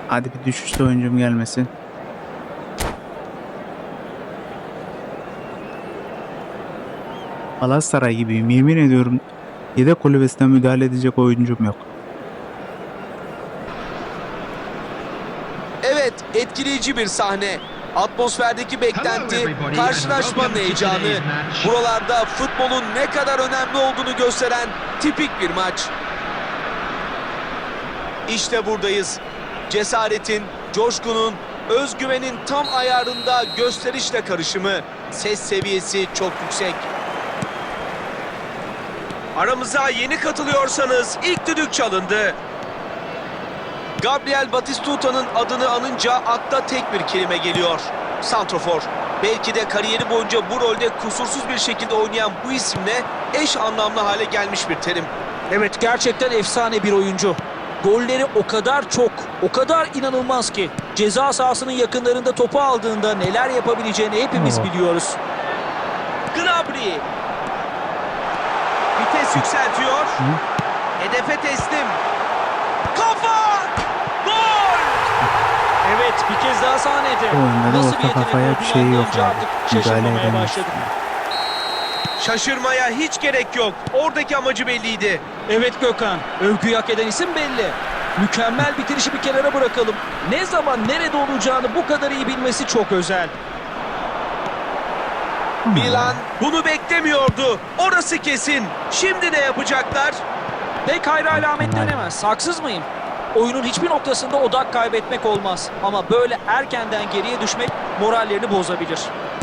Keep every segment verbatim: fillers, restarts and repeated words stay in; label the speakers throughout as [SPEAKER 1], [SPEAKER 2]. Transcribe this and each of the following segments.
[SPEAKER 1] Hadi bir düşüşte oyuncum gelmesin. Galatasaray gibiyim. Yemin ediyorum yedek kulübesine müdahale edecek oyuncum yok.
[SPEAKER 2] Evet, etkileyici bir sahne. Atmosferdeki beklenti, karşılaşmanın heyecanı. Buralarda futbolun ne kadar önemli olduğunu gösteren tipik bir maç. İşte buradayız. Cesaretin, coşkunun, özgüvenin tam ayarında gösterişle karışımı. Ses seviyesi çok yüksek. Aramıza yeni katılıyorsanız ilk düdük çalındı. Gabriel Batistuta'nın adını anınca akla tek bir kelime geliyor. Santrofor. Belki de kariyeri boyunca bu rolde kusursuz bir şekilde oynayan bu isimle eş anlamlı hale gelmiş bir terim.
[SPEAKER 3] Evet, gerçekten efsane bir oyuncu. Golleri o kadar çok, o kadar inanılmaz ki ceza sahasının yakınlarında topu aldığında neler yapabileceğini hepimiz
[SPEAKER 1] Oo.
[SPEAKER 3] biliyoruz.
[SPEAKER 2] Gnabry. Vites yükseltiyor. Hedefe teslim. Kafa! Gol!
[SPEAKER 3] Evet, bir kez daha sahnede.
[SPEAKER 1] Bu oyunda da
[SPEAKER 3] Nasıl
[SPEAKER 1] orta
[SPEAKER 3] bir yetenek
[SPEAKER 1] kafaya bir
[SPEAKER 3] olduğunu
[SPEAKER 1] şey yok
[SPEAKER 3] anlayınca
[SPEAKER 1] abi.
[SPEAKER 3] artık
[SPEAKER 1] Müdahale
[SPEAKER 3] şaşırmamaya
[SPEAKER 1] edemez.
[SPEAKER 3] başladım.
[SPEAKER 2] Şaşırmaya hiç gerek yok. Oradaki amacı belliydi.
[SPEAKER 3] Evet Gökhan, övgüyü hak eden isim belli. Mükemmel bitirişi bir kenara bırakalım. Ne zaman nerede olacağını bu kadar iyi bilmesi çok özel.
[SPEAKER 2] Milan bunu beklemiyordu. Orası kesin. Şimdi ne yapacaklar?
[SPEAKER 3] Pek hayra alamet denemez. Haksız mıyım? Oyunun hiçbir noktasında odak kaybetmek olmaz. Ama böyle erkenden geriye düşmek morallerini bozabilir.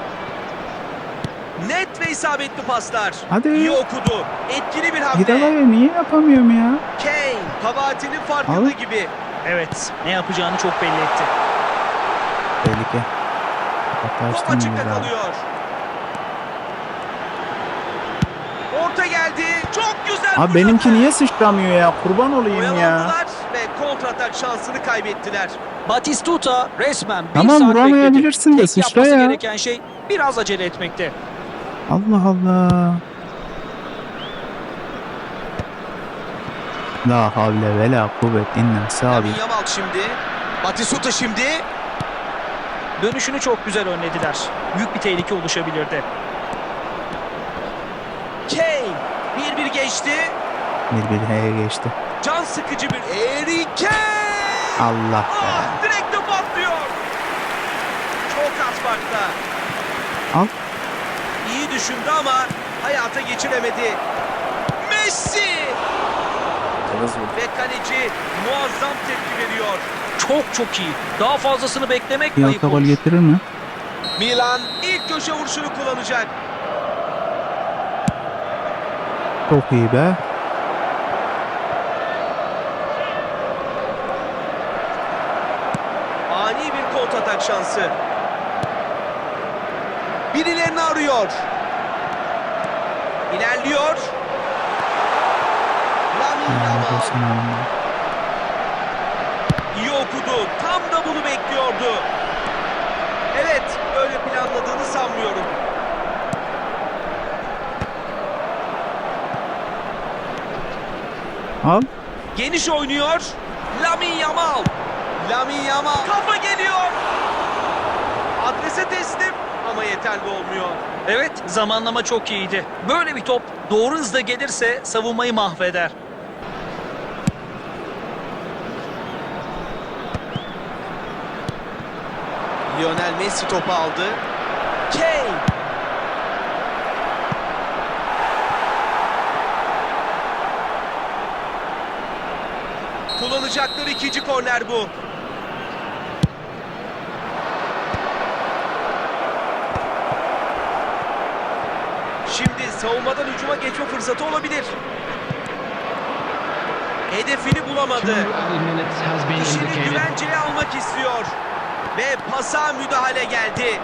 [SPEAKER 2] Net ve isabetli paslar.
[SPEAKER 1] Hadi.
[SPEAKER 2] İyi okudu. Etkili bir hamle.
[SPEAKER 1] Gidalaya niye yapamıyorum ya?
[SPEAKER 2] Kane kabahatinin farkında
[SPEAKER 1] Al.
[SPEAKER 2] gibi.
[SPEAKER 3] Evet, ne yapacağını çok belli etti.
[SPEAKER 1] Tehlike.
[SPEAKER 2] Top
[SPEAKER 1] Yaklaştım
[SPEAKER 2] açıkta
[SPEAKER 1] biraz abi.
[SPEAKER 2] kalıyor. Orta geldi. Çok güzel.
[SPEAKER 1] Abi
[SPEAKER 2] vuruyor.
[SPEAKER 1] benimki niye sıçramıyor ya? Kurban olayım ya.
[SPEAKER 2] Oyalandılar ve kontratak şansını kaybettiler.
[SPEAKER 3] Batistuta resmen bir
[SPEAKER 1] Tamam,
[SPEAKER 3] saat
[SPEAKER 1] vuramayabilirsin
[SPEAKER 3] bekledi.
[SPEAKER 1] de
[SPEAKER 3] Tek
[SPEAKER 1] sıçra
[SPEAKER 3] yapması
[SPEAKER 1] ya.
[SPEAKER 3] gereken şey biraz acele etmekte.
[SPEAKER 1] Allah Allah. La havle ve la kuvvet illa sabi.
[SPEAKER 2] Lamine Yamal şimdi. Batistuta şimdi.
[SPEAKER 3] Dönüşünü çok güzel önlediler. Büyük bir tehlike oluşabilirdi.
[SPEAKER 2] Kane bir bir geçti.
[SPEAKER 1] Bir bir H'ye geçti.
[SPEAKER 2] Can sıkıcı bir Harry Kane.
[SPEAKER 1] Allah be.
[SPEAKER 2] Ah, direkte patlıyor. Çok az farkta.
[SPEAKER 1] Al.
[SPEAKER 2] İyi düşündü ama hayata geçiremedi. Messi ve kaleci muazzam tepki veriyor.
[SPEAKER 3] Çok çok iyi. Daha fazlasını beklemek
[SPEAKER 1] Bir
[SPEAKER 3] ayıp
[SPEAKER 1] alta gol
[SPEAKER 3] olur.
[SPEAKER 1] getirir mi?
[SPEAKER 2] Milan ilk köşe vuruşunu kullanacak.
[SPEAKER 1] Çok iyi be.
[SPEAKER 2] Ani bir kontratak şansı. Birilerini arıyor. İlerliyor. Lamine
[SPEAKER 1] Yani
[SPEAKER 2] Yamal
[SPEAKER 1] olsun abi.
[SPEAKER 2] iyi okudu. Tam da bunu bekliyordu. Evet, öyle planladığını sanmıyorum.
[SPEAKER 1] Al.
[SPEAKER 2] Geniş oynuyor. Lamine Yamal. Lamine Yamal. Kafa geliyor. Adrese teslim ama yeterli olmuyor.
[SPEAKER 3] Evet, zamanlama çok iyiydi. Böyle bir top doğru hızda gelirse savunmayı mahveder.
[SPEAKER 2] Lionel Messi topu aldı. Kane. Kullanacakları ikinci korner bu. Şimdi savunmadan hücuma geçme fırsatı olabilir. Hedefini bulamadı. İşini güvenceye almak istiyor. Ve pasa müdahale geldi.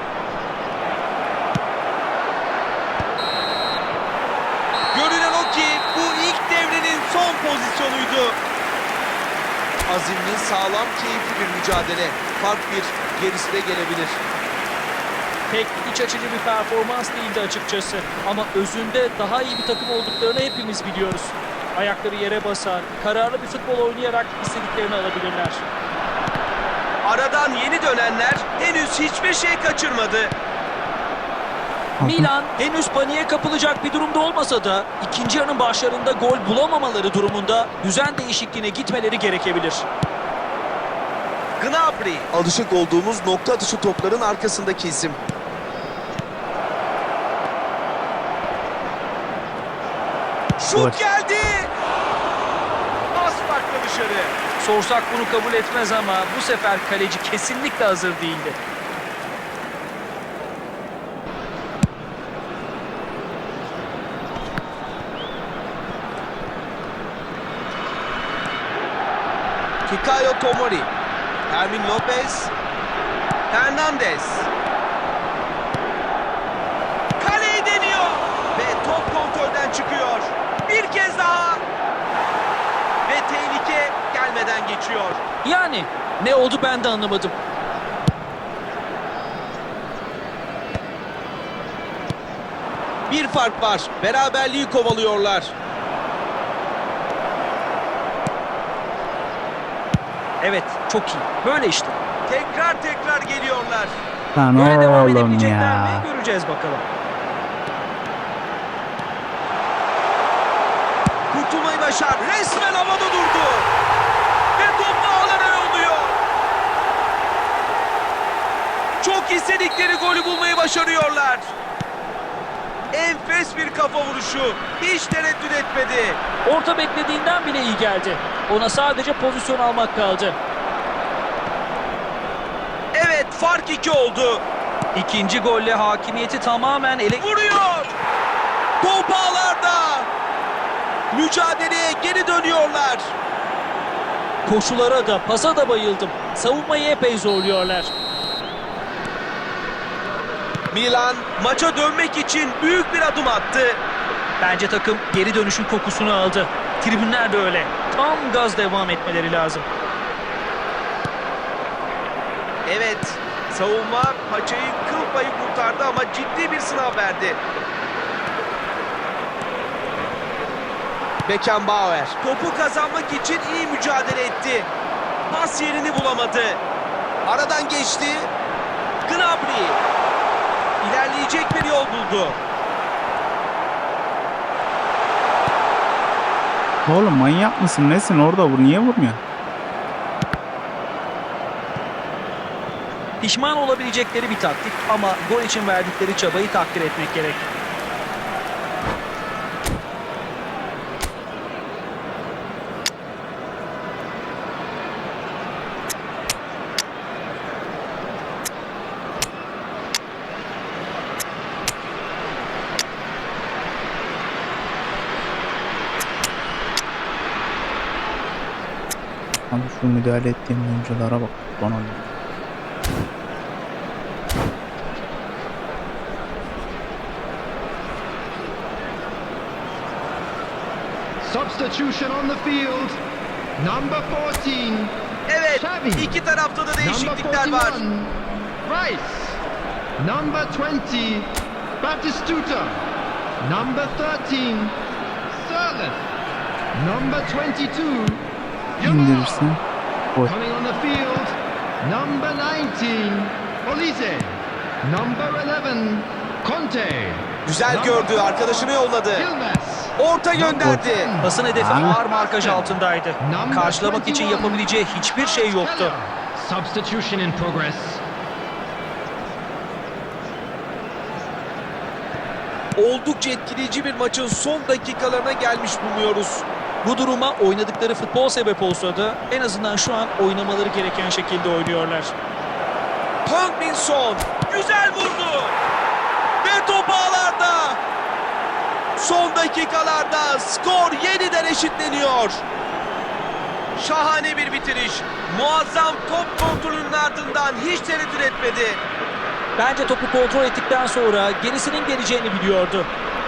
[SPEAKER 2] Görünen o ki bu ilk devrenin son pozisyonuydu. Azimli, sağlam, keyifli bir mücadele. Fark bir, gerisi de gelebilir.
[SPEAKER 3] Pek iç açıcı bir performans değildi açıkçası. Ama özünde daha iyi bir takım olduklarını hepimiz biliyoruz. Ayakları yere basar, kararlı bir futbol oynayarak istediklerini alabilirler.
[SPEAKER 2] Aradan yeni dönenler henüz hiçbir şey kaçırmadı.
[SPEAKER 3] Milan henüz paniğe kapılacak bir durumda olmasa da ikinci yarının başlarında gol bulamamaları durumunda düzen değişikliğine gitmeleri gerekebilir.
[SPEAKER 2] Gnabry, alışık olduğumuz nokta atışı topların arkasındaki isim. Şut
[SPEAKER 1] Gol.
[SPEAKER 2] geldi. Pas farklı dışarı.
[SPEAKER 3] Sorsak bunu kabul etmez ama bu sefer kaleci kesinlikle hazır değildi.
[SPEAKER 2] Fikayo Tomori, Fermin Lopez, Hernandez. Kaleyi deniyor ve top kontrolden çıkıyor. Bir kez daha ve tehlike gelmeden geçiyor.
[SPEAKER 3] Yani ne oldu ben de anlamadım.
[SPEAKER 2] Bir fark var. Beraberliği kovalıyorlar.
[SPEAKER 3] Evet, çok iyi. Böyle işte.
[SPEAKER 2] Tekrar tekrar geliyorlar.
[SPEAKER 1] Lan
[SPEAKER 3] Böyle devam
[SPEAKER 1] oğlum
[SPEAKER 3] edebilecekler
[SPEAKER 1] ya.
[SPEAKER 3] mi? Göreceğiz bakalım.
[SPEAKER 2] Kurtulmayı başar. Resmen havada durdu. Ve top ağlara yolluyor. Çok istedikleri golü bulmayı başarıyorlar. Enfes bir kafa vuruşu. Hiç tereddüt etmedi.
[SPEAKER 3] Orta beklediğinden bile iyi geldi. Ona sadece pozisyon almak kaldı.
[SPEAKER 2] Evet, fark iki oldu.
[SPEAKER 3] İkinci golle hakimiyeti tamamen ele...
[SPEAKER 2] Vuruyor. Top ağlarda. Mücadeleye geri dönüyorlar.
[SPEAKER 3] Koşulara da pasa da bayıldım. Savunmayı epey zorluyorlar.
[SPEAKER 2] Milan maça dönmek için büyük bir adım attı.
[SPEAKER 3] Bence takım geri dönüşün kokusunu aldı. Tribünler de öyle. Tam gaz devam etmeleri lazım.
[SPEAKER 2] Evet, savunma paçayı kıl payı kurtardı ama ciddi bir sınav verdi. Beckenbauer topu kazanmak için iyi mücadele etti. Pas yerini bulamadı. Aradan geçti. Gnabry ilerleyecek bir yol buldu.
[SPEAKER 1] Oğlum manyak mısın? Nesin orada vur? Niye vurmuyor?
[SPEAKER 3] Pişman olabilecekleri bir taktik ama gol için verdikleri çabayı takdir etmek gerek.
[SPEAKER 1] Abi şu müdahale ettiğim oyunculara bak. Bana ne?
[SPEAKER 4] Substitution on the field. Number fourteen.
[SPEAKER 2] Evet,
[SPEAKER 4] Xavi.
[SPEAKER 2] iki tarafta da
[SPEAKER 4] Number
[SPEAKER 2] değişiklikler var.
[SPEAKER 4] forty-one. Rice. Number twenty. Batistuta. Number thirteen. Sirleaf. Number twenty-two. Yamal.
[SPEAKER 1] İndirirsin. Gol.
[SPEAKER 4] Coming on the field. Number nineteen. Olise. Number eleven. Conte.
[SPEAKER 2] Güzel gördü, arkadaşını yolladı.
[SPEAKER 4] Yilmaz.
[SPEAKER 2] Orta gönderdi.
[SPEAKER 3] Pasın hedefi
[SPEAKER 1] Ah.
[SPEAKER 3] ağır markaj altındaydı. Karşılamak için yapabileceği hiçbir şey yoktu.
[SPEAKER 4] Substitution in progress.
[SPEAKER 2] Oldukça etkileyici bir maçın son dakikalarına gelmiş bulunuyoruz.
[SPEAKER 3] Bu duruma oynadıkları futbol sebep olsa da en azından şu an oynamaları gereken şekilde oynuyorlar.
[SPEAKER 2] Heung-min Son güzel vurdu. Ve top ağlarda. Son dakikalarda skor yeniden eşitleniyor. Şahane bir bitiriş. Muazzam top kontrolünün ardından hiç tereddüt etmedi.
[SPEAKER 3] Bence topu kontrol ettikten sonra gerisinin geleceğini biliyordu.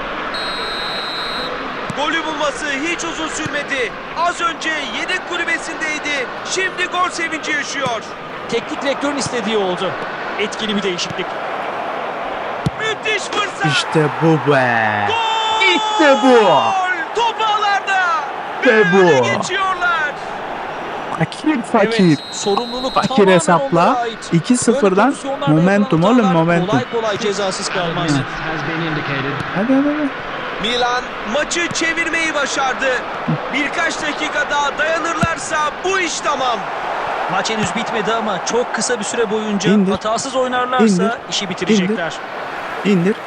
[SPEAKER 2] Golü bulması hiç uzun sürmedi. Az önce yedek kulübesindeydi. Şimdi gol sevinci yaşıyor.
[SPEAKER 3] Teknik direktörün istediği oldu. Etkili bir değişiklik.
[SPEAKER 2] Müthiş fırsat.
[SPEAKER 1] İşte bu be.
[SPEAKER 2] Gol!
[SPEAKER 1] İşte bu.
[SPEAKER 2] Top ağlarda.
[SPEAKER 1] İşte
[SPEAKER 2] Ve öne
[SPEAKER 1] bu.
[SPEAKER 2] geçiyorlar.
[SPEAKER 1] Hak Fakir fakir.
[SPEAKER 3] Evet, sorumluluk
[SPEAKER 1] Fakir
[SPEAKER 3] tamamen
[SPEAKER 1] hesapla.
[SPEAKER 3] onlara ait.
[SPEAKER 1] iki
[SPEAKER 3] Böyle
[SPEAKER 1] sıfırdan
[SPEAKER 3] pozisyonlarda
[SPEAKER 1] momentum
[SPEAKER 3] yapılan
[SPEAKER 1] oğlum,
[SPEAKER 3] hatalar
[SPEAKER 1] momentum.
[SPEAKER 3] Kolay kolay cezasız kalmaz.
[SPEAKER 4] Has been indicated.
[SPEAKER 1] Hadi hadi hadi.
[SPEAKER 2] Milan maçı çevirmeyi başardı. Birkaç dakika daha dayanırlarsa bu iş tamam.
[SPEAKER 3] Maç henüz bitmedi ama çok kısa bir süre boyunca
[SPEAKER 1] İndir.
[SPEAKER 3] hatasız oynarlarsa
[SPEAKER 1] İndir.
[SPEAKER 3] işi bitirecekler.
[SPEAKER 1] İndir.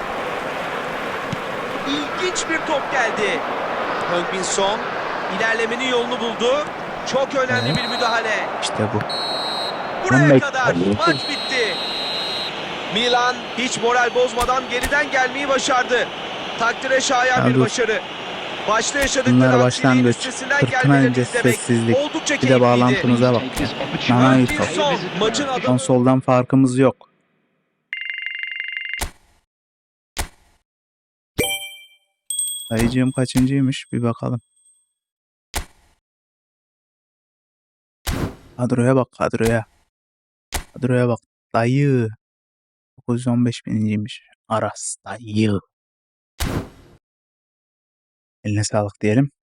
[SPEAKER 2] İlginç bir top geldi. Heung-min Son ilerlemenin yolunu buldu. Çok önemli
[SPEAKER 1] Evet.
[SPEAKER 2] bir müdahale.
[SPEAKER 1] İşte bu.
[SPEAKER 2] Buraya
[SPEAKER 1] Ben
[SPEAKER 2] kadar
[SPEAKER 1] bekliyorum.
[SPEAKER 2] maç bitti. Milan hiç moral bozmadan geriden gelmeyi başardı. Takdire şayan
[SPEAKER 1] Ya
[SPEAKER 2] bir
[SPEAKER 1] dur.
[SPEAKER 2] başarı. Başta yaşadıkları
[SPEAKER 1] Bunlar
[SPEAKER 2] aksiliğin
[SPEAKER 1] başlangıç.
[SPEAKER 2] üstesinden
[SPEAKER 1] Fırtına
[SPEAKER 2] gelmelerini
[SPEAKER 1] önce
[SPEAKER 2] izlemek
[SPEAKER 1] sessizlik.
[SPEAKER 2] oldukça
[SPEAKER 1] Bir de
[SPEAKER 2] keyifliydi.
[SPEAKER 1] bağlantımıza bak.
[SPEAKER 4] Take this opportunity.
[SPEAKER 1] Nana
[SPEAKER 2] Heung-min
[SPEAKER 1] Ito.
[SPEAKER 2] Son maçın adamı.
[SPEAKER 1] Konsoldan farkımız yok. Dayıcığım kaçıncıymış bir bakalım. Kadroya bak kadroya. Kadroya bak. Dayı. dokuz yüz on beş bininciymiş. Aras dayı. Eline sağlık diyelim.